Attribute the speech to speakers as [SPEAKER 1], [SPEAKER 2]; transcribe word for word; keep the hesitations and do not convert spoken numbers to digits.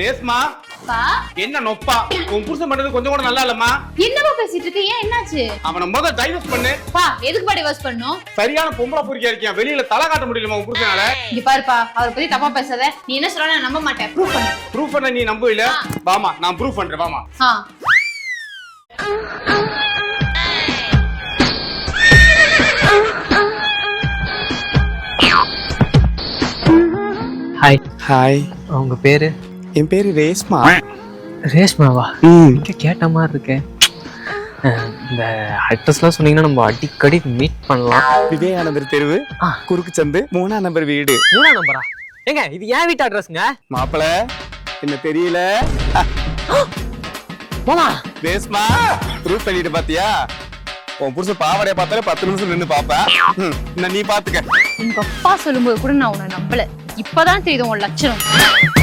[SPEAKER 1] ரேஸ்மா என்ன நொப்பா உன் புருஷன் பண்றது கொஞ்சம் கூட நல்லா இல்லம்மா.
[SPEAKER 2] என்னமா பேசிட்டு இருக்க? ஏன் என்னாச்சு?
[SPEAKER 1] அவனை முதல்ல டைவர்ஸ் பண்ணு.
[SPEAKER 2] பா எதுக்கு பா டைவர்ஸ் பண்ணனும்?
[SPEAKER 1] சரியான பொம்பளை பொறுக்கியா இருக்கியா, வெளியில தலை காட்ட முடியலமா உன் புருஷனால.
[SPEAKER 2] இங்க பாருப்பா, அவரை பத்தி தப்பா பேசாத. நீ என்ன சொல்ற நான் நம்ப மாட்டேன். ப்ரூஃப் பண்ணு.
[SPEAKER 1] ப்ரூஃப் பண்ண நீ நம்ப இல்ல? வாமா நான் ப்ரூஃப் பண்றேன் வாமா.
[SPEAKER 2] ஆ
[SPEAKER 3] ஹாய்.
[SPEAKER 1] ஹாய்.
[SPEAKER 3] உங்க பேரு?
[SPEAKER 1] என் பேரு ரேஸ்மா.
[SPEAKER 3] ரேஷ்மாவா? இங்க கேட்ட மாதிரி இருக்கே. இந்த அட்ரஸ்லாம் சொன்னீங்கன்னா நம்ம அடிக்கடி மீட் பண்ணலாம்.
[SPEAKER 1] விவேகானந்தர் தெருவு, குறுக்கு சந்து, மூணாம் நம்பர் வீடு.
[SPEAKER 3] மூணாம் நம்பரா? ஏங்க இது ஏன் வீட்டு அட்ரஸ்ங்க?
[SPEAKER 1] மாப்பிள என்ன தெரியல?
[SPEAKER 3] போமா
[SPEAKER 1] ரேஸ்மா ப்ரூஃப் பண்ணிட்டு பாத்தியா? உன் புருஷன் பாவடைய பார்த்தாலே பத்து நிமிஷம் நின்று பாப்பேன். நீ பாத்துக்க.
[SPEAKER 2] உங்க அப்பா சொல்லும்போது கூட நான் உன்னை நம்பல. இப்பதான் தெரியுது உன் லட்சணம்.